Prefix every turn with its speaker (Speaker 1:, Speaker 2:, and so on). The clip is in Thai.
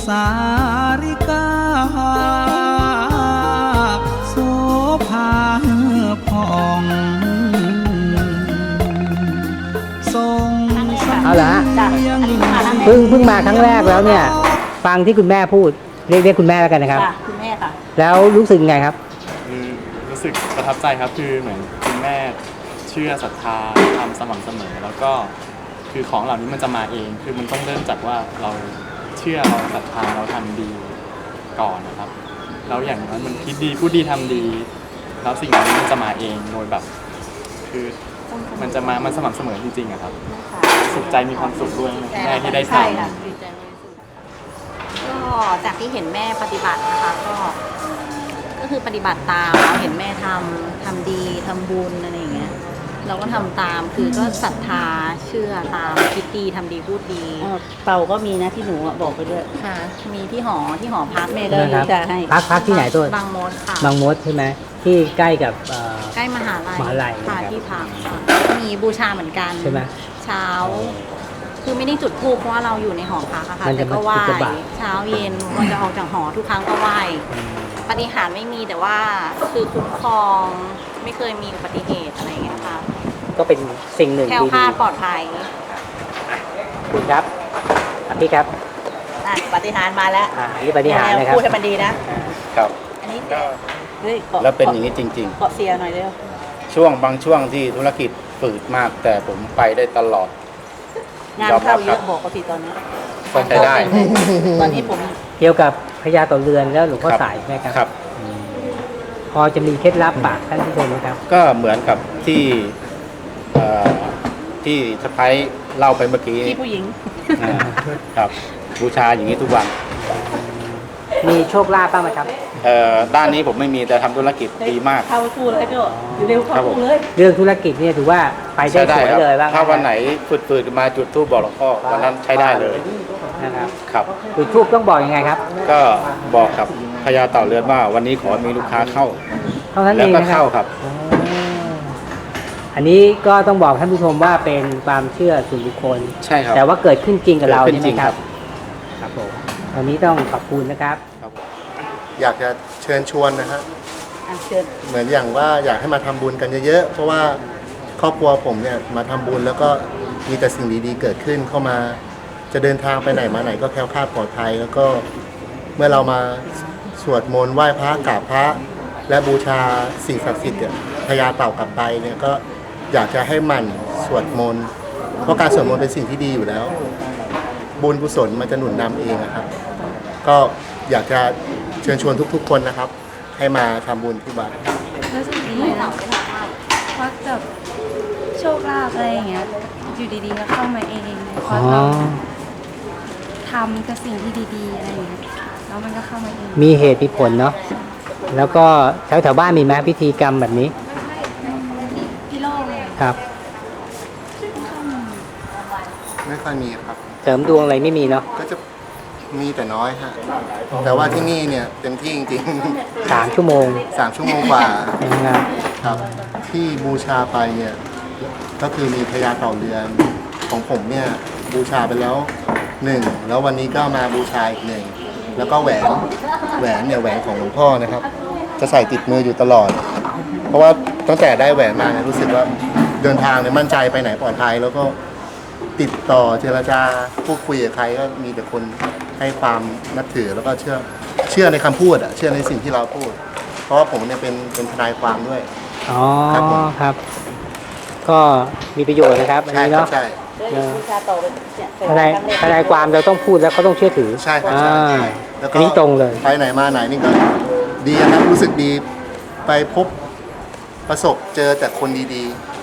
Speaker 1: สาริกาโสภาผ่องทรง
Speaker 2: เอาละ เพิ่งมาครั้งแรกแล้วเนี่ยฟังที่คุณแม่พูดเรียกคุณแม่แล้วกันนะครับ
Speaker 3: คุณแม่ค่ะ
Speaker 2: แล้วรู้สึกไงครับ
Speaker 4: รู้สึกประทับใจครับคือเหมือนคุณแม่เชื่อศรัทธาทำสม่ำเสมอแล้วก็คือของเหล่านี้มันจะมาเองคือมันต้องเริ่มจากว่าเราเชื่อเราศรัทธาเราทำดีก่อนนะครับแล้วอย่างนั้นมันคิดดีพูดดีทำดีแล้วสิ่งเหล่านี้มันจะมาเองโดยแบบคือมันจะมามันสม่ำเสมอจริงๆอะครับสุขใจมีความสุขด้วยแม่ที่ได้ทำ
Speaker 3: ก็จากที่เห็นแม่ปฏิบัตินะคะก็คือปฏิบัติตามเราเห็นแม่ทำดีทำบุญอะไรอย่างเงี้ยเราก็ทำตามคือก็ศรัทธาเชื่อตามคิดดีทำดีพูดดี
Speaker 5: เต่าก็มีนะที่หนูบอกไปด้วย
Speaker 3: ค่ะมีที่หอพักแม่ก็
Speaker 2: จะให้พักที่ไหนตัว
Speaker 3: บางมดค่ะ
Speaker 2: บางมดใช่ไหมที่ใกล้กับ
Speaker 3: ใกล้มหาลัยค่ะที่พักมีบูชาเหมือนกัน
Speaker 2: ใช่ไหม
Speaker 3: เช้าคือไม่ได้จุดธูปเพราะว่าเราอยู่ในหอพักอะค่ะแต่ก็ไหว้เช้าเย็นมันจะออกจากหอทุกครั้งก็ไหว้ปฏิหารไม่มีแต่ว่าคือคุ้มครองไม่เคยมีอุบัติเหตุอะไรอย่างเงี้ยค่ะ
Speaker 2: ก็เป็นสิ่งหนึ่ง
Speaker 3: แคล้วคลาดปลอดภัย
Speaker 2: คุณครับพี่ครับ
Speaker 3: ปฏิหารมาแล้ว
Speaker 2: นี่ปฏิหารนะครับ
Speaker 3: พูดให้มันดีนะครับอันนี้
Speaker 6: แล้วเป็นอย่างนี้จริง
Speaker 3: ๆเกาะเสียหน่อยเร็ว
Speaker 6: บางช่วงที่ธุรกิจฝืดมากแต่ผมไปได้ตลอด
Speaker 3: งานเข้าเยอะบอกเขาทีตอนนี้
Speaker 6: ก็ใช้ได้
Speaker 3: ตอนนี้ผม
Speaker 2: เกี่ยวกับพญาต่อเรือนแล้วหลวงพ่อสายใช่ไหมครับพอจะมีเคล็ดลับฝากท่านผู้ชมไหมครับ
Speaker 6: ก็เหมือนกับที่สะพ้ายเล่าไปเมื่อกี้
Speaker 3: ที่ผู้หญิง
Speaker 6: ครับบูชาอย่างนี้ทุกวัน
Speaker 2: มีโชคลาภบ้างไหมครับ
Speaker 6: ด้านนี้ผมไม่มีแต่ทำธุรกิจดีมาก
Speaker 3: เข้าคู่เลยก็อยู่เร็วเข้าคู่เลย
Speaker 2: เรื่องธุรกิจเนี่ยถือว่าไปได้สวยเลยบ้าง
Speaker 6: ถ้าวันไหนฝืดๆมาจุดธูปบอกหลวงพ่อวันนั้นใช้ได้เลย
Speaker 2: นะครับ
Speaker 6: ครับ
Speaker 2: จุดธูปต้องบอกยังไงครับ
Speaker 6: ก็บอกกับพญาเต่าเรือนว่าวันนี้ขอมีลูกค้าเข้าแล้วก็เข้าครับ
Speaker 2: อันนี้ก็ต้องบอกท่านผู้ชมว่าเป็นความเชื่อส่วนบุคคล
Speaker 6: ใช่ครับ
Speaker 2: แต่ว่าเกิดขึ้นจริงกับเราใช่ไหมครับครับผมวันนี้ต้องขอบคุณนะครับ
Speaker 7: อยากจะเชิญชวนนะฮะเหมือนอย่างว่าอยากให้มาทำบุญกันเยอะๆเพราะว่าครอบครัวผมเนี่ยมาทำบุญแล้วก็มีแต่สิ่งดีๆเกิดขึ้นเข้ามาจะเดินทางไปไหนมาไหนก็แคล้วคลาดปลอดภัยแล้วก็เมื่อเรามาสวดมนต์ไหว้พระกราบพระและบูชาสิ่งศักดิ์สิทธิ์พญาเต่ากลับไปเนี่ยก็อยากจะให้หมั่นสวดมนต์เพราะการสวดมนต์เป็นสิ่งที่ดีอยู่แล้วบุญกุศลมันจะหนุนนำเองนะครับก็อยากจะเชิญชวนทุกๆคนนะครับให้มาทำบุญที่วัด
Speaker 8: รู้สึกดีนะเพราะกับโชคลาภอะไรอย่างเงี้ยอยู่ดีๆก็เข้ามาเองเพราะเราทำกับสิ่งที่ดีๆอะไรอย่างเงี้ยแล้วมันก็เข้ามาเอง
Speaker 2: มีเหตุมีผลเนาะแล้วก็แถวบ้านมีไหมพิธีกรรมแบบนี้
Speaker 8: พี่โลกเลย
Speaker 2: ครับ
Speaker 7: ไม่ค่อยมีครับ
Speaker 2: เสริมดวงอะไรไม่มีเนาะ
Speaker 7: ก็จะมีแต่น้อยฮะแต่ว่าที่นี่เนี่ยเต็มที่จริง
Speaker 2: ๆ3 ชั่วโมง
Speaker 7: กว่าครับที่บูชาไปเนี่ยก็คือมีพญาเต่าเรือนของผมเนี่ยบูชาไปแล้ว1แล้ววันนี้ก็มาบูชาอีก1แล้วก็แหวนเนี่ยแหวนของหลวงพ่อนะครับจะใส่ติดมืออยู่ตลอดเพราะว่าตั้งแต่ได้แหวนมาเนี่ยรู้สึกว่าเดินทางเนี่ยมั่นใจไปไหนปลอดภัยแล้วก็ติดต่อเจรจาพูดคุยกับใครก็มีแต่คนให้ความนับถือแล้วก็เชื่อในคำพูดเชื่อในสิ่งที่เราพูดเพราะว่าผมเนี่ยเป็นทนายความด้วย
Speaker 2: อ๋อครับก็มีประโยชน์นะครับอันนี้เนาะ
Speaker 7: ใช่
Speaker 2: ทนายความเราต้องพูดแล้วเขาต้องเชื่อถือ
Speaker 7: ใช่ครับ
Speaker 2: แล้วก็นี้ตรงเลย
Speaker 7: ไปไหนมาไหนนี่ก็ดีครับรู้สึกดีไปพบประสบเจอแต่คนดีๆ